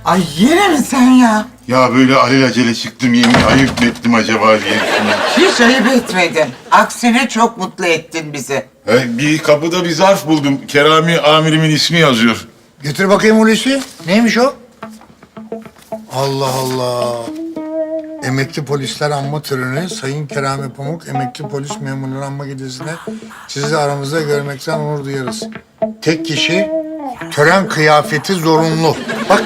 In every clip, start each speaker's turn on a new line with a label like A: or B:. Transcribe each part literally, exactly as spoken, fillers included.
A: Ay yine mi sen ya?
B: Ya böyle alelacele çıktım yemin ayıp mı ettim acaba diye düşünüyorum.
A: Hiç ayıp etmedin. Aksine çok mutlu ettin bizi.
B: He, bir kapıda bir zarf buldum. Kerami amirimin ismi yazıyor.
C: Getir bakayım Hulusi. Neymiş o? Allah Allah. Emekli polisler anma töreni, Sayın Kerami Pamuk, emekli polis memurları anma gecesinde sizi aramızda görmekten onur duyarız. Tek kişi, tören kıyafeti zorunlu. Bak.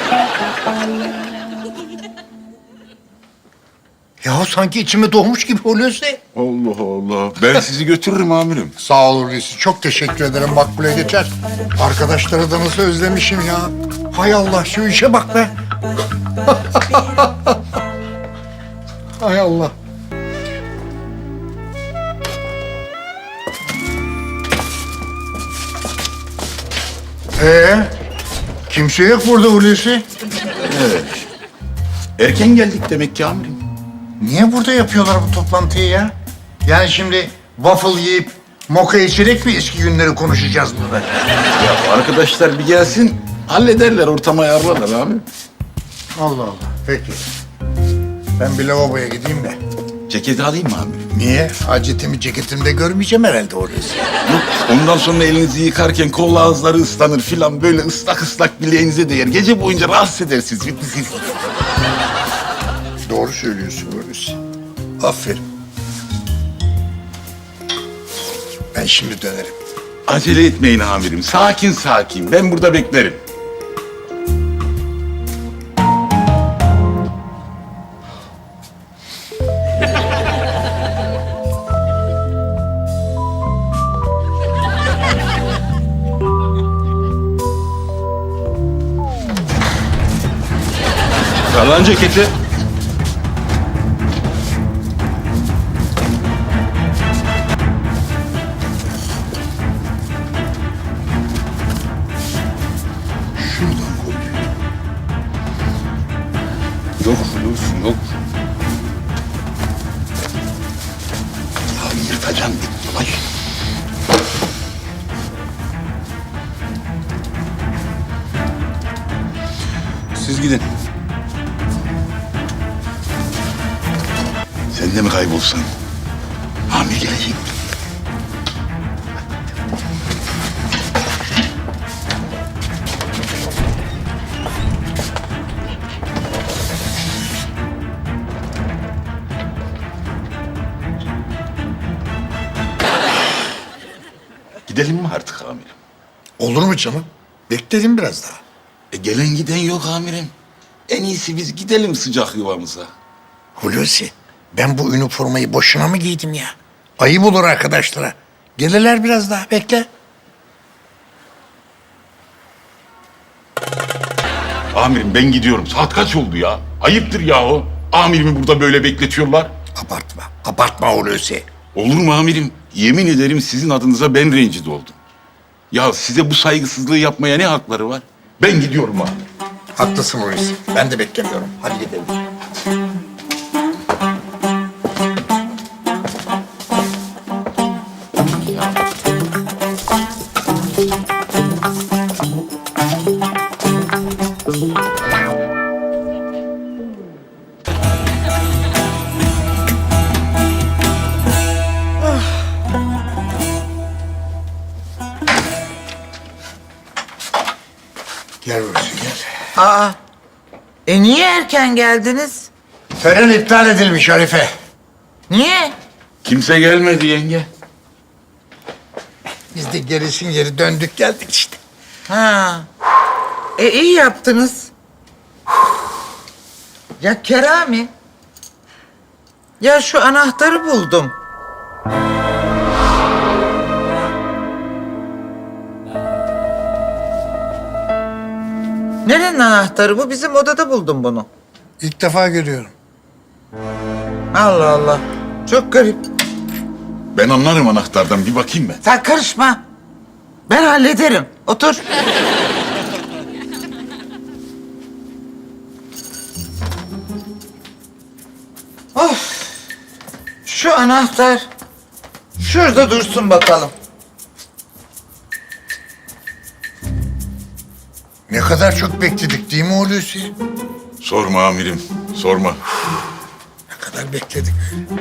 C: Ya sanki içime doğmuş gibi Hulusi.
B: Allah Allah. Ben sizi götürürüm amirim.
C: Sağ ol Hulusi. Çok teşekkür ederim. Makbule geçer. Arkadaşları da nasıl özlemişim ya. Hay Allah şu işe bak be. Hay Allah. Ee, kimse yok burada Hulusi.
B: Evet. Erken geldik demek ki amirim.
C: Niye burada yapıyorlar bu toplantıyı ya? Yani şimdi waffle yiyip moka içerek mi eski günleri konuşacağız burada?
B: Ya arkadaşlar bir gelsin hallederler ortamı ayarlarlar abi.
C: Allah Allah. Peki. Ben bir lavaboya gideyim de.
B: Ceketi alayım mı amirim?
C: Niye? Hacetimi ceketimde görmeyeceğim herhalde Hulusi.
B: Yok ondan sonra elinizi yıkarken kol ağızları ıslanır filan böyle ıslak ıslak bileğinize değer. Gece boyunca rahatsız edersiniz. Siz.
C: Doğru söylüyorsun Hulusi. Aferin. Ben şimdi dönerim.
B: Acele etmeyin amirim. Sakin sakin. Ben burada beklerim. Ver lan ceketi. Şuradan koy. Yok Hulusi yok. Ya yırtacaksın bir yavaş. Siz gidin. Sen de mi kaybolsan? Amir gelecek. Gidelim mi artık amirim?
C: Olur mu canım? Bekleyelim biraz daha.
B: E, gelen giden yok amirim. En iyisi biz gidelim sıcak yuvamıza.
C: Hulusi, ben bu üniformayı boşuna mı giydim ya? Ayıp olur arkadaşlara. Gelirler biraz daha, bekle.
B: Amirim ben gidiyorum. Saat kaç oldu ya? Ayıptır yahu. Amirimi burada böyle bekletiyorlar.
C: Abartma, abartma Hulusi.
B: Olur mu amirim? Yemin ederim sizin adınıza ben rencide oldum. Ya size bu saygısızlığı yapmaya ne hakları var? Ben gidiyorum abi.
C: Haklısın Hulusi. Ben de beklemiyorum. Hadi gidelim. Gel Hulusi gel.
A: Aa, e niye erken geldiniz?
C: Tören iptal edilmiş Arife.
A: Niye?
B: Kimse gelmedi yenge.
C: Biz de gerisin geri döndük geldik işte.
A: Ha, e iyi yaptınız. Ya Kerami, ya şu anahtarı buldum. Nerenin anahtarı bu? Bizim odada buldum bunu.
C: İlk defa görüyorum.
A: Allah Allah, çok garip.
B: Ben anlarım anahtardan. Bir bakayım ben.
A: Sen karışma. Ben hallederim. Otur. Of. Şu anahtar şurada dursun bakalım.
C: Ne kadar çok bekledik değil mi Hulusi?
B: Sorma amirim, sorma.
C: Ne kadar bekledik.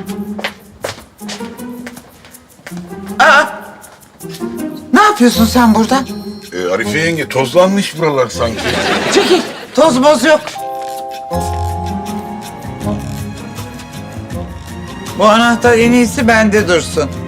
A: Aa! Ne yapıyorsun sen burada?
B: Ee, Arife yenge, tozlanmış buralar sanki.
A: Çekil. Toz moz yok. Bu anahtar en iyisi bende dursun.